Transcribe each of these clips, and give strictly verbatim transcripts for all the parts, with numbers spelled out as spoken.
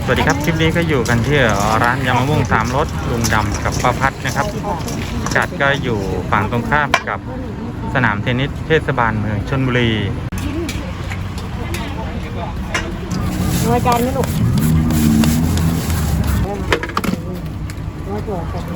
สวัสดีครับคลิปนี้ก็อยู่กันที่ร้านยำมะม่วงสามรสลุงดำกับป้าพัดนะครับพิกัดก็อยู่ฝั่งตรงข้ามกับสนามเทนนิสเทศบาลเมืองชลบุรีหัวจานนี่ลูกหัวจั่วกัน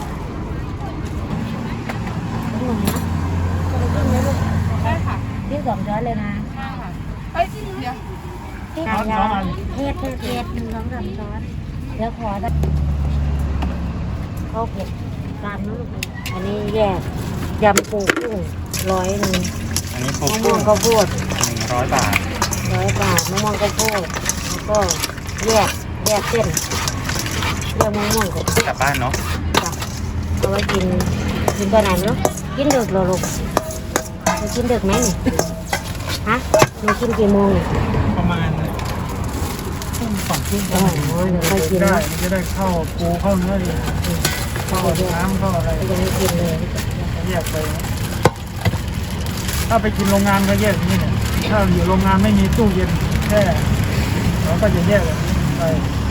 ได้ค่ะที่สองช้อนเลยนะเอ้ยที่เดียวที่ขายาเทศเทศเทศหนึ่งสองสามช้อนเดี๋ยวขอได้ข้าวเผ็ดตามนะลูกอันนี้แยกยำปูกุ้งร้อยหนึ่งอันนี้ปูมะม่กุ้วงงข้าวโพดหนึ่งร้อยบาทร้อยบาทมะม่วงข้าวโพดแล้วก็แยกแยกเส้นแยกมะม่วงกับกลับบ้านเนาะจ้ะเอาไว้กินกินตอนไหนไม่รู้กินดึกเหรอลูกหนูกินดึกไหมเนี่ยฮะหนูกินกี่โมงเนี่ยประมาณทุ่มสองทุ่มอ๋อเดี๋ยวค่อยกินได้นะมันจะได้เข้าปูเข้าเนื้อดีเข้าน้ำเข้าอะไรยังไม่กินเลยแยกไปนะถ้าไปกินโรงงานก็แยกอย่างนี้เนี่ยถ้าอยู่โรงงานไม่มีตู้เย็นแช่เราก็จะแยกแบบนี้ไป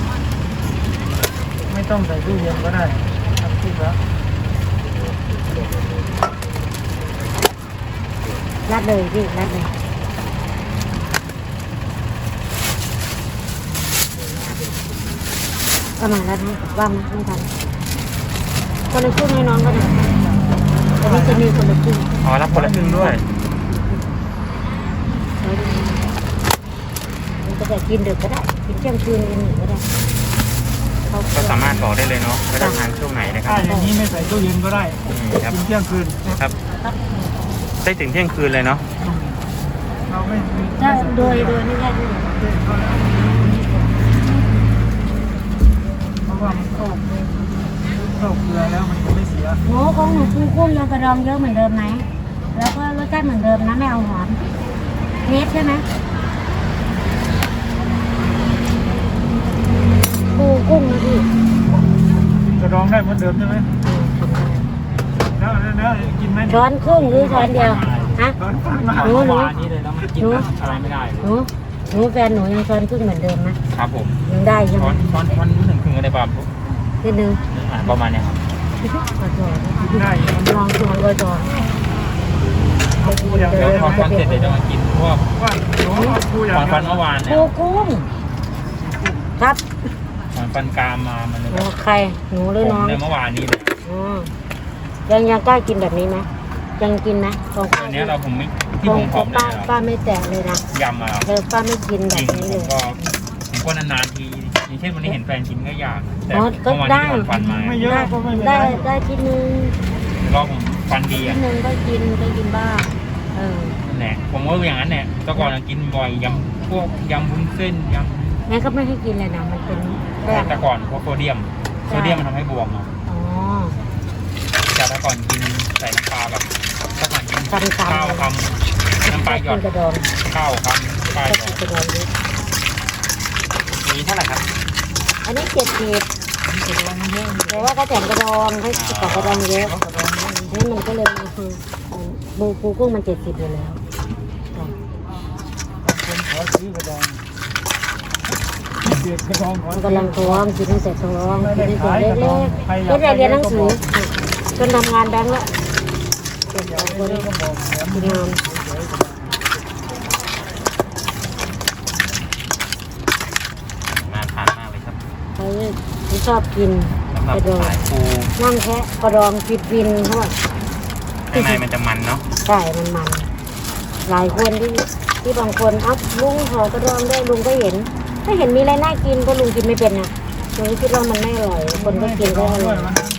ไม่ต้องใส่ตู้เย็นก็ได้ทำทุกแล้วรัดเลยพี่รัดเลยก็มารัดให้ว่ามาไม่ทันคนละครึ่งให้น้องก็ได้แต่นี่จะมีคนละครึ่งอ๋อรับคนละครึ่งด้วยมันก็จะกินดึกก็ได้กินเที่ยงคืนกินหนึ่งก็ได้เขาก็สามารถบอกได้เลยเนาะว่าจะทานช่วงไหนนะครัถ้าบอย่างนี้ไม่ใส่ตู้เย็นก็ได้อืมครับกินเที่ยงคืนครับได้ถึงเที่ยงคืนเลยเนาะเราไม่ไม่ถ้าใส่โดตู้ยเย็นโดยไม่ได้ด้วยเพราะว่ามันเข้าเข้าเกลือแล้วมันจะไม่เสียหมูของหนูปูกุ้งยังกระดองเยอะเหมือนเดิมไหมแล้วก็รสชาติเหมือนเดิมนะไม่เอาหอมเนสใช่ไหมปูกุ้งนะพี่กระดองได้เหมือนเดิมใช่ไหมแล้วแล้วแล้วกินไหมช้อนครึ่งหรือช้อนเดียวฮะช้อนฟันมาหนูหนูนี้เลยแล้วมันกินอะไรไม่ได้หนูหนูแฟนหนูยังช้อนครึ่งเหมือนเดิมนะครับผมยังได้ใช่ไหช้มอนช้อนช้อนถึงครึ่งอะไรบ้างนิดนึงอ่าประมาณเนี้ยครับขอโทษกินได้มันลองชวนก็จอนเอาปูอย่างเดี๋เดียยว วพอฟันเสร็จเดี๋ยวจะมากินพวกว่าหนูเอาปูอย่างฟันเดีฟันยวเมื่อวานเนี่ปูยกุ้งครับฟันฟันกรามมามันเลยโอ้ใครหนูหรือผน้อมงในเมื่อวานนี้เลยอ๋อยังยังกล้ากินแบบนี้ไหมยังกินนะของป้าอันนี้เราผมไม่ที่ขอผงมผอมเนี่ป้าย ป้าไม่แตะเลยนะยำมาเออป้าไม่กินแบจริบงนี้ผเลมยก็ผมก็นานๆทีอย่างเช่นวันนี้เห็นแฟนกินก็อยากแต่อ๋อก็เมื่อวานได้ที่ผมฟันมาไม่เยอะได้ก็ไม่เป็นไรได้ได้ทีนึงรอบผมฟันดีทีอ่ะนึงก็กินก็กินบ้างเออนั่นแหละผมว่าอย่างนั้นแหละแต่ก่อนกินบ่อยยำพวกยำวุ้นเส้นยงั้นก็ไม่ให้กินเลยนะมันเป็นำแป้งแต่ก่อนเพราะโซเดียมโซเดียมมันทำให้บวมอ่ะอ๋อแต่แต่ก่อนกินใส่น้ำปลาแบบถ้าก่อนกินคำๆข้าวคำน้ำปลาหยกิอดนกระดองข้าวคำปลาหก็ยอกินดกระดองเยอะนี้เท่าไหร่ครับอันนี้เจ็ดสิบกระดองมันเยอะแต่ว่าเขาแต่งกระดองให้กับกระดองเยอะเขากระดองเยอะนี่มันก็เลยคือบูปูกุ้งมันเจ็ดสิบอยู่แล้วจ้ะคนขอซื้อกระดองเด็กกระดองขอมันซื้อกำลังท้องกินตั้งแต่ท้องกินตั้งแต่เล็กๆก็ได้เรียนหนังสือจนทำงานแบงก์แล้วเก็บอยาเอากคนได้ก็บอกแถมทำงานน่าทานมากเลยครับเขาที่ชอบกินสำหรับกระดองสายปูนั่งแค่กระดองฟิดฟินเขาบอกข้างในมันจะมันเนาะใช่มันมันหลายคนที่ที่บางคนเอ้าลุงขอกระดองได้ลุงก็เห็น ถ้าเห็นมีอะไรน่ากินก็ลุงกินไม่เป็นนะลุงคิดว่ามันไม่อร่อยคนก็กินก็อร่อย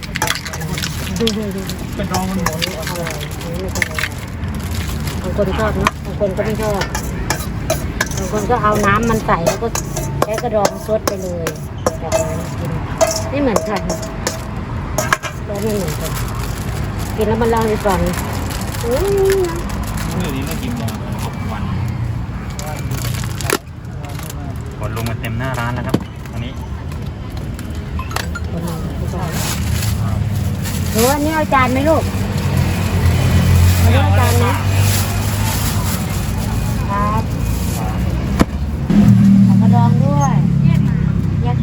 กระดองมันหมดอร่อยบางคนชอบนะบางคนก็ไม่ชอบบางคนก็เอาน้ำมันใส่แล้วก็ใช้กระดองซดไปเลยแบบนั้นกินไม่เหมือนกันก็ไม่เหมือนกันกินแล้วมันเล่าให้ฟังอุ้ยเมื่อนี้เรากินมาหกวันคนลงมาเต็มหน้าร้านแล้วครับอันนี้คนเราไม่ชอบหนูว่านี่เอาจานไหมลูกเอาเอาจานนะครับเอากระดองด้วยแยก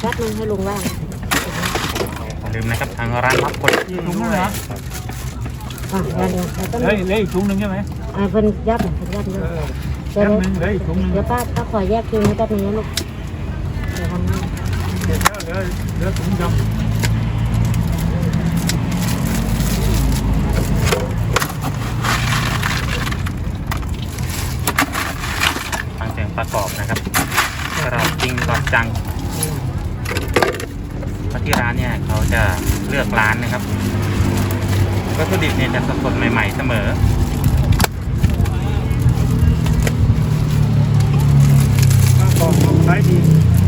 แป๊บนึงให้ลุงว่างอย่าลืมนะครับทางร้านรับคนอีกถุงนึงเหรออ่ะเดี๋ยวเดี๋ยวเราต้องเหลยเหลยอีกถุงนึงใช่ไหมอ่าเพิ่นยับหน่อยเพิ่นยับเยเออะอเดี๋ยวแป๊บนึงเหลยอีกถุงนึงเดี๋ยวป้าป้าขอแยกคิวให้แป๊บนึงนะลูกเดี๋ยวทำให้เดี๋ยวเหลือเหลือถุงดำฟังเสียงประกอบนะครับเราจริงก่อนจังเพราะที่ร้านเนี่ยเขาจะเลือกร้านนะครับวัตถุดิบเนี่ยจะสดๆใหม่ๆเสมอถ้าบอกขายดี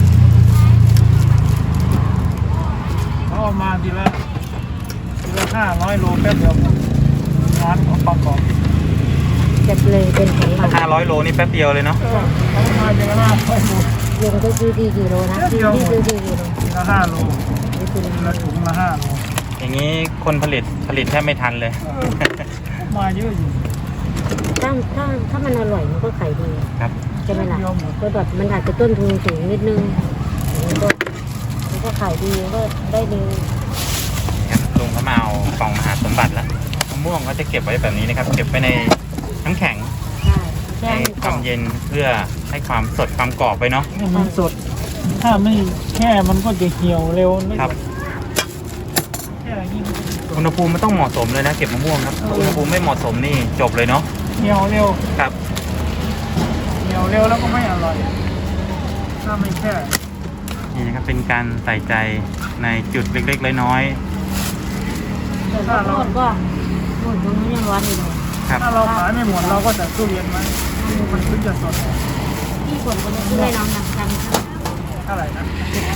เขาเอามาทีละทีละห้าร้อยโลแป๊บเดียวร้านของประกอบจะเลยเป็นของเราห้าร้อยโลนี่แป๊บเดียวเลยเนาะเออเขาเอามาทีละห้าร้อยโลลุงก็ซื้อที่กี่โลนะซื้อที่ซื้อที่กี่โลทีละห้าโลนี่คือทีละถุงละห้าโลอย่างนี้คนผลิตผลิตแทบไม่ทันเลยเออมาเยอะอยู่ถ้าถ้าถ้ามันอร่อยมันก็ขายดีครับใช่ไหมล่ะก็แบบมันอาจจะต้นทุนสูงนิดนึงมันก็มันก็ขายดีก็ได้ดีครับลุงเขามาเอากล่องมหาสมบัติแล้วมะม่วงเขาจะเก็บไว้แบบนี้นะครับ เก็บไว้ในน้ำแข็งใช่แช่ให้ให้คกรวาอมบเย็นเพื่อให้ความสดความกรอบไปเนาะนี่มันสด ถ้าไม่แช่มันก็จะเหี่ยวเร็วนะครับ แช่อย่างนี้มันจะสดอุณหภูมิมันต้องเหมาะสมเลยนะเก็บมะม่วงครับอุณหภูมิไม่เหมาะสมนี่จบเลยเนาะเหี่ยวเร็วครับเหี่ยวเร็วแล้วก็ไม่อร่อย ถ้าไม่แช่นี่นะครับเป็นการใส่ใจในจุดเล็กๆน้อยแต่ข้าวโพดก็นู่นตรงนี้ยังร้อนอยู่เลยๆครับถ้าเราขายไม่หมดเราก็จะตู้เย็นไว้มันถึงจะสดพี่ฝนก็ซื้อให้น้องนะจำเท่าไหร่นะ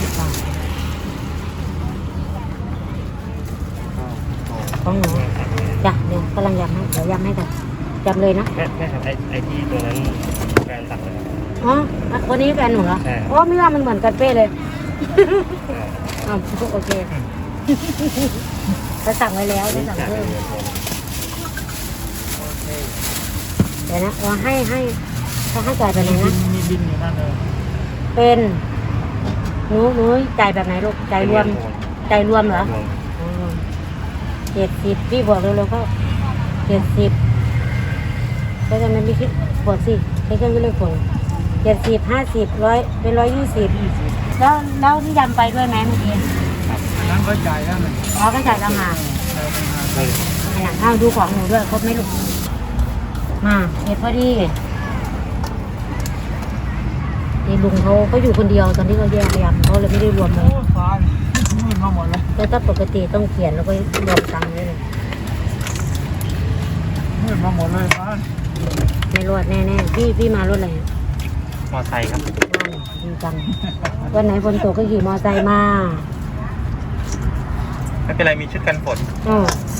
ของหนูจ้ะเดี๋ยวกำลังยำให้เดี๋ยวยำให้กันจำเลยนะแม่แม่ครับไอ้ไอ้ที่ตัวนั้นแฟนสั่งเลยครับอ๋อวันนี้แฟนหนูเหรอใช่โอ้ไม่ว่ามันเหมือนกันเป๊ะเลยอ๋อโอเคเขาสั่งไว้แล้วได้สั่งจากเพิ่มเรือโทรเดี๋ยวนะว่าให้ให้เขาให้จ่ายไปไหนมีบินะนมีบินอยู่นั่นเลยเป็นหนูหนูจ่ายแบบไหนลูกจ่ายรวมจ่ายรวมเหรอรวมเจ็ดสิบพี่บอกเร็วๆก็เจ็ดสิบก็จะไม่คิดบวกสิใช้เครื่องคิดเลขผลเจ็ดสิบห้าสิบร้อยเป็นร้อยยี่สิบยี่สิบแล้วแล้วที่ยำไปด้วยไหมเมื่อกี้อันนั้นเขาจ่ายแล้วเลยอ๋อก็จ่ายต่างหากจ่ายต่างหากเฮ้ยขนาดข้าวดูของหนูด้วยครบไหมลูกมาเห็ดพอดีนี่ลุงเขาเขาอยู่คนเดียวตอนที่เขาแยกยำเขาเลยไม่ได้รวมเลโอ้ยฟ้ามืดมาหมดเลยแต่ถ้าปกติต้องเขียนแล้วก็รวมตังค์ไว้เลยมืดมาหมดเลยฟ้าไม่รอดแน่ๆพี่พี่มารถอะไรมอไซค์ครับนั่นดีจังวันไหนฝนตกก็ขี่มอไซค์มาไม่เป็นไรมีชุดกันฝนอ๋อ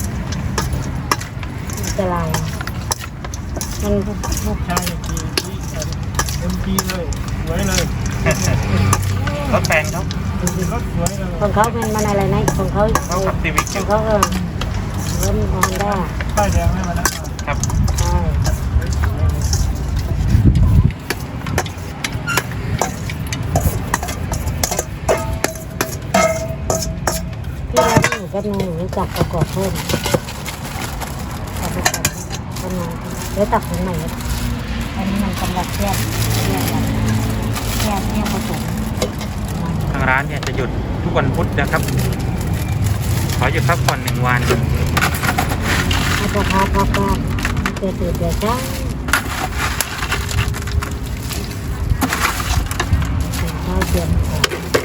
อันตรายมันลูกชายขี่ขี่เอ็มจีเลยสวยเลยรถแฟนเขารถสวยเลยของเขาเป็นมันอะไรนะของเขาเขาขับซีวิกขอองยู่เขาเออเริ่มฮอนด้าป้ายแดงให้มาแล้วครับใช่ที่ร้านหนูแป๊บนึงหนูจับประกอบเพิ่มจับประกอบเพิ่มมาเดี๋ยวตักถึงไหนแล้วอันนี้มันสำหรับแยกแยกกันแยกแยกผสมทางร้านเนี่ยจะหยุดทุกวันพุธนะครับ ขอหยุดพักผ่อนหนึ่งวันอาจจะพาพาพาเกิดตื่นเดี๋ยวจ้าข้าวเตรียมของ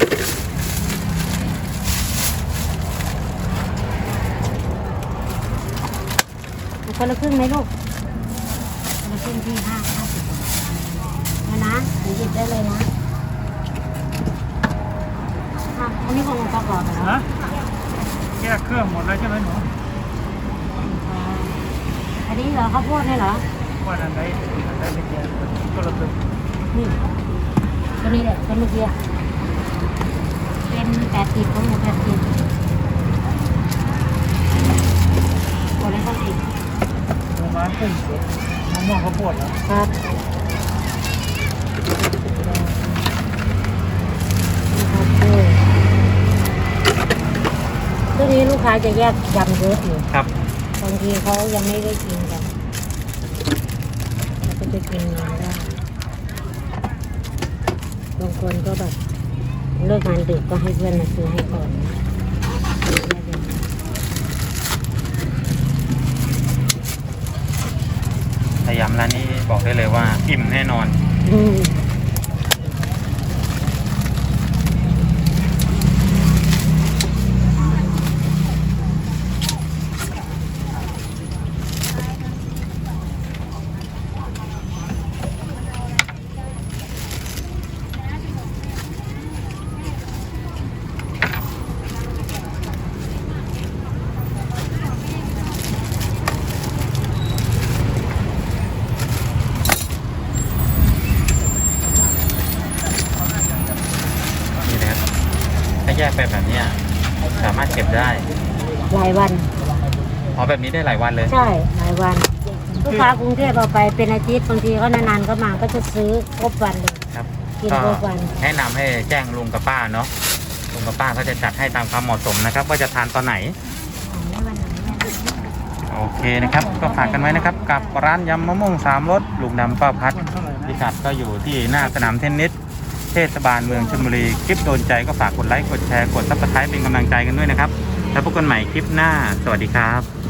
เอาคนละครึ่งไหมลูกคนละครึ่งที่ห้าห้าสิบนะนะหนูหยิบได้เลยนะอ่ะอันนี้ของหนูประกอบเหรอฮะแก้เครื่องหมดแล้วใช่ไหมหนูอ่าอันนี้เหรอข้าวโพดเนี่ยเหรอว่าอันไหนอันไหนเป็นแก้ก็ระเบิดนี่ตัวนี้แหละเป็นเมื่อกี้อะเป็นแปดสิบของหนูแปดสิบตัวนี้ก็สิบหมูม้ากุ้งสดมะม่วงข้าวโพดแล้วครับนี่ครับลูกค้าจะแยกยำเยอะอยู่ครับบางทีเขายังไม่ได้กินกันเราก็จะกินงานได้บางคนก็แบบเลิกงานดึกก็ให้เพื่อนมาซื้อให้ก่อนแต่ยำร้านนี้บอกได้เลยว่าอิ่มแน่นอนอืมนี่นะครับถ้าแยกไปแบบเนี้ยสามารถเก็บได้หลายวันอ๋อแบบนี้ได้หลายวันเลยใช่หลายวัน ลูกค้ากรุงเทพเอาไปเป็นอาทิตย์บางทีเขานานๆก็มาก็จะซื้อครบวันเลยครับกินก็ครบวันแนะนำให้แจ้งลุงกับป้าเนาะลุงกับป้าเขาจะจัดให้ตามความเหมาะสมนะครับ ว่าจะทานตอนไหน โอเคนะครับ ก็ฝากกันไว้นะครับ กับร้านยำมะม่วงสามรสลุงดำป้าพัดพิกัดก็อยู่ที่หน้าสนามเทนนิสเทศบาลเมืองชลบุรีคลิปโดนใจก็ฝากกดไลค์กดแชร์กดซับสไครป์เป็นกำลังใจกันด้วยนะครับแล้วพบกันใหม่คลิปหน้าสวัสดีครับ